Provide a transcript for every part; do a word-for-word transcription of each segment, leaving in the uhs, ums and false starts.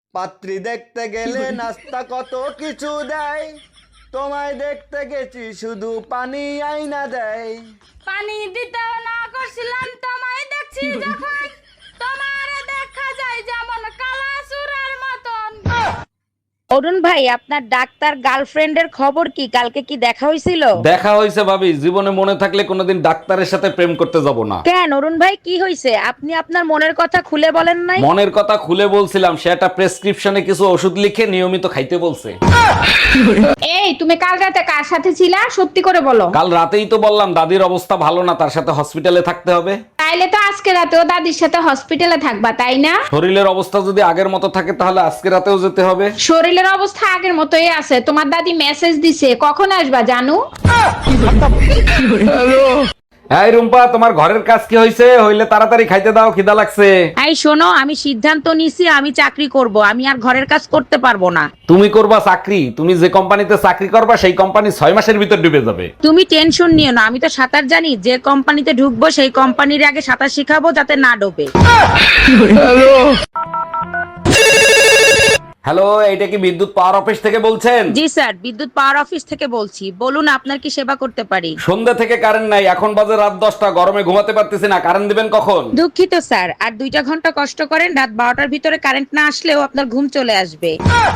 পাত্রী দেখতে গেলে নাস্তা কত কিছু দেয়, তোমায় দেখতে গেছি শুধু পানি আইনা দেয়। পানি দিতেও না করছিলাম, তোমায় দেখছি যখন তোমার দেখা যায় যেমন কালা সুরার মতন। অরুণ ভাই, আপনার ডাক্তার গার্লফ্রেন্ডের খবর কি? কালকে কি দেখা হয়েছিল? দেখা হয়েছে ভাবি, জীবনে মনে থাকলে কোনোদিন ডাক্তারের সাথে প্রেম করতে যাব না। কেন অরুণ ভাই, কি হয়েছে? আপনি আপনার মনের কথা খুলে বলেন নাই? মনের কথা খুলে বলছিলাম, সে একটা প্রেসক্রিপশনে কিছু ওষুধ লিখে নিয়মিত খাইতে বলছে। এই তুমি কাল রাতে কার সাথে ছিলা, সত্যি করে বলো। কাল রাতেই তো বললাম দাদির অবস্থা ভালো না, তার সাথে হসপিটালে থাকতে হবে। তাইলে তো আজকে রাতেও দাদির সাথে হসপিটালে থাকবা, তাই না? শরীরের অবস্থা যদি আগের মতো থাকে তাহলে আজকে রাতেও যেতে হবে। শরীরের অবস্থা আগের মতোই আছে। তোমার দাদি মেসেজ দিছে, কখন আসবা জানু? এই রুম্পা, তোমার ঘরের কাজ কি হয়েছে? হইলে তাড়াতাড়ি খাইতে দাও, খিদা লাগছে। এই শোনো, আমি সিদ্ধান্ত নিছি আমি চাকরি করব, আমি আর ঘরের কাজ করতে পারবো না। তুমি করবা চাকরি? তুমি যে কোম্পানিতে চাকরি করবা সেই কোম্পানি ছয় মাসের ভিতর ডুবে যাবে। তুমি টেনশন নিও না, আমি তো সাঁতার জানি। যে কোম্পানিতে ঢুকবো সেই কোম্পানির আগে সাঁতার শিখাবো যাতে না ডোবে। হ্যালো, এইটা কি বিদ্যুৎ পাওয়ার অফিস থেকে বলছেন? জি স্যার, বিদ্যুৎ পাওয়ার অফিস থেকে বলছি। বলুন আপনার কি সেবা করতে পারি? সন্ধ্যা থেকে কারেন্ট নাই, এখন বাজে রাত দশটা, গরমে ঘুমাতে পারতেছি না, কারেন্ট দিবেন কখন? দুঃখিত স্যার, আর দুইটা ঘন্টা কষ্ট করেন, রাত বারোটার ভিতরে কারেন্ট না আসলেও আপনার ঘুম চলে আসবে।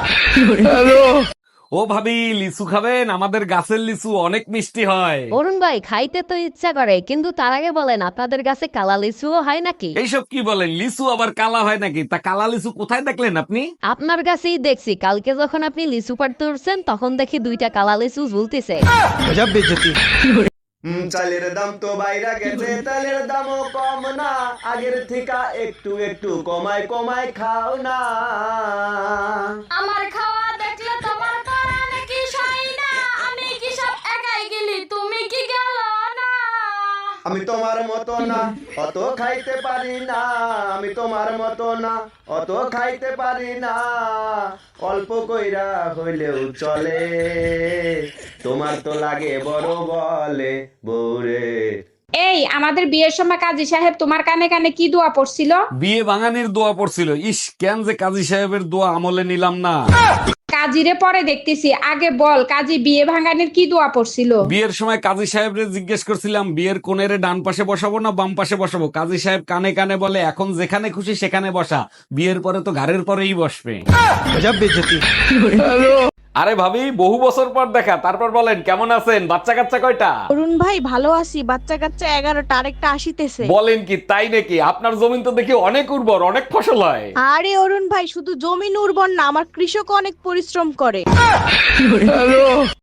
ও ভাবি, লিচু খাবেন? আমাদের গাছের লিচু অনেক মিষ্টি হয়। অরুণ ভাই, খাইতে তো ইচ্ছা করে, কিন্তু তার আগে বলেন আপনাদের কাছে কালা লিচুও হয় নাকি? এইসব কি বলেন? লিচু আবার কালা হয় নাকি? তা কালা লিচু কোথায় দেখলেন আপনি? আপনার কাছেই দেখছি, কালকে যখন আপনি লিচু পাড়তে উঠছেন তখন দেখি দুইটা কালা লিচু ঝুলতেছে। হুম, চালের দাম তো বাইরা গেছে, তালের দামও কম না, আগের থেকে একটু একটু কমায় কমায় খাও না। আমার খাওয়া দেখলে তোমার পরাণে কি সয় না, আমি কি সব একাই গেলি, তুমি কি গেল না? আমি তোমার মতো না, অত খাইতে পারি না, আমি তোমার মতো না, অত খাইতে পারি না, অল্প কইরা হইলেও চলে, তোমার তো লাগে বড় বলে বউরে। এই আমাদের বিয়ের সময় কাজী সাহেব তোমার কানে কানে কি দোয়া পড়ছিল? বিয়ে ভাঙানির দোয়া পড়ছিল। ইস, কেন যে কাজী সাহেবের দোয়া আমলে নিলাম না। কাজীরে পরে দেখতেছি, আগে বল কাজী বিয়ে ভাঙানোর কি দোয়া পড়ছিল? বিয়ের সময় কাজী সাহেবরে জিজ্ঞেস করছিলাম বিয়ের কোণেরে ডান পাশে বসাবো না বাম পাশে বসাবো। কাজী সাহেব কানে কানে বলে এখন যেখানে খুশি সেখানে বসা, বিয়ের পরে তো ঘাড়ের পরেই বসবে। আরে ভাবি, বহু বছর পর দেখা, তারপর বলেন কেমন আছেন? বাচ্চা কাচ্চা কয়টা? অরুণ ভাই, ভালো আছি। বাচ্চা কাচ্চা এগারোটা, আরেকটা আসিতেছে। বলেন কি, তাই নাকি? আপনার জমিন তো দেখি অনেক উর্বর, অনেক ফসল হয়। আরে অরুণ ভাই, শুধু জমিন উর্বর না, আমার কৃষক অনেক পরিশ্রম করে।